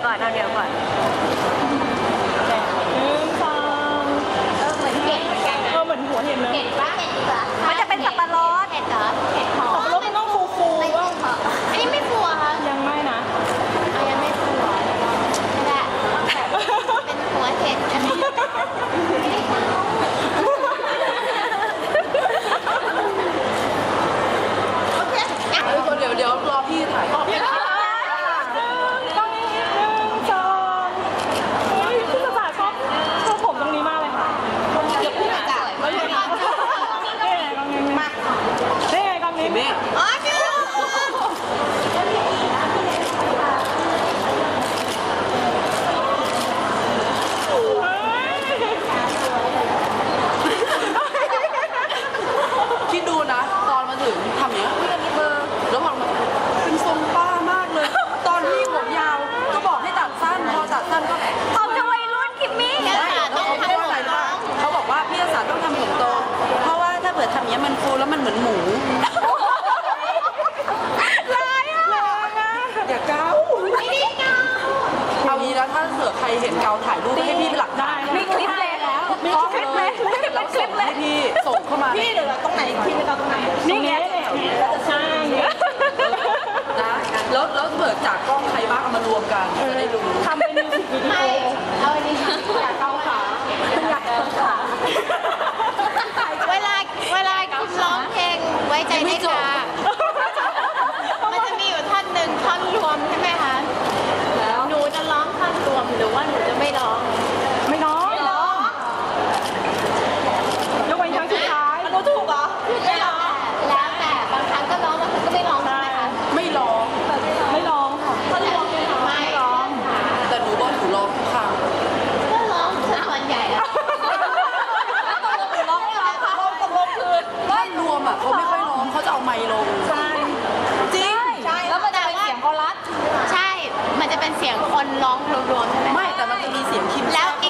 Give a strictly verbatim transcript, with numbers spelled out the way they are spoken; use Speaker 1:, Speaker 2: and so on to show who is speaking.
Speaker 1: ก่อนเอาเดี๋ยวก่อน
Speaker 2: หนึ่งสอง
Speaker 3: เออเหมือนเห็ดเหมือนกันนะ
Speaker 2: เออเหมือนหัวเห็นเลย
Speaker 3: เห็ดปะเห็ดเหรอ
Speaker 1: มันจะเป็นสับปะรด
Speaker 3: เห็ดเหรอเห็ดหอม
Speaker 2: สับปะรดมันต้องฟูๆ
Speaker 3: ไม่
Speaker 2: ว่า
Speaker 3: ใช่หอมอันนี้ไม่ฟูอะคะ
Speaker 2: ยังไม่นะ
Speaker 3: เอายังไม่ฟูหรอไม่ได้เป็นหัวเห็ดอันนี้โอเคอ่ะ
Speaker 4: เดี๋ยวเดี๋ยวรอพี่ถ่าย
Speaker 2: ต้องหนึ่งสองเฮ้ยพี่สาชอบชอบผมตรงนี้มากเลยค่ะ
Speaker 3: เดี๋ยวพี่จะ
Speaker 2: แล้วยังไงนี่ไงกองนี้มานี่ไงกองนี้
Speaker 4: เมฆ
Speaker 3: อ๋อชื่อ
Speaker 4: คิดดูนะ ตอนมาถึงทำเนี้ยแล้วพอมาเป็นทรงป้ามากเลย ตอนที่ผมยาวก็บอกให้ตัดสั้นพอตัดสั้นก็
Speaker 1: เอาจะวัยรุ่นคิมมี่
Speaker 3: เนี่ยค่ะ
Speaker 4: แล้
Speaker 3: ต้
Speaker 4: ว
Speaker 3: อง
Speaker 4: เขา
Speaker 3: ทำ
Speaker 4: พูด
Speaker 3: ผม
Speaker 4: อะไร
Speaker 3: น้
Speaker 4: รู้
Speaker 3: อ
Speaker 4: ปะ
Speaker 3: ง
Speaker 4: เขาบอกว่าพี่ศาสตร์ต้องทำผมโต เพราะว่าถ้าเผื่อทำเนี้ยมันฟูแล้วมันเหมือนหมู
Speaker 1: ร้ายอ่ะ
Speaker 4: อย่าเกา
Speaker 3: ไม่ได้เงา
Speaker 4: เอางี้แล้วถ้าเผื่อใครเห็นเกาถ่ายรูปให้พี่เป็นหลัก
Speaker 2: ได้
Speaker 4: ฐาน
Speaker 1: มีคลิปเลยแล้วมีคลิปเลยมีคลิปเลย
Speaker 4: ให้พี่ส่งเข้ามา
Speaker 2: พี่เดี๋ยวตรงไหนพี่ไปตรงไหนนี่ไงใช่
Speaker 4: นะแล้วแล้วเปิดจากกล้องใครบ้างเอามารวมกันจะได้รู้
Speaker 2: ทำเป็นมิวสิกวิดี
Speaker 3: ไม่
Speaker 2: โอ
Speaker 3: เอาอันนี้อยากเกาขาอยากเกาขาเวลาเวลาคุณร้องเพลงไว้ใจได้ค่ะมันจะมีอยู่ท่อนหนึ่งท่อนรวมใช่ไหมคะแล้วหนูจะร้องท่อนรวมหรือว่าหนูจะไม่ร้อง
Speaker 2: ไม่น้อง
Speaker 3: ไม่ร้อง
Speaker 2: ยกเว้นครั้งสุดท้ายรู้ถูกเหรอ
Speaker 3: ไม่ร้องแล้วแต่บางครั้งก็ร้องบางครั้งก็ไม่ร้องใช่ไหมคะ
Speaker 4: ไม่ร้อง
Speaker 2: ไม่ร้องค่ะ
Speaker 3: ท่อนรวมไม่ร้อง
Speaker 4: แต่หนูบอกหนูร้องทุกครั้ง
Speaker 3: ก็ร้องส่วนใหญ่แล้ว
Speaker 1: ร้องร้องร้องตกลงคือ
Speaker 4: ท่อนรวมอ่ะเขาไม่ค่อยร้องเขาจะเอาไมค์ลง
Speaker 2: ใช่
Speaker 4: จริง
Speaker 1: ใช่แล้วมันจะเป็นเสียงคอรัส
Speaker 3: ใช่ มันจะเป็นเสียงคนร้องรวมๆใช่ไหม
Speaker 4: ไม่แต่มันจะมีเสียงคิม
Speaker 3: แล้ว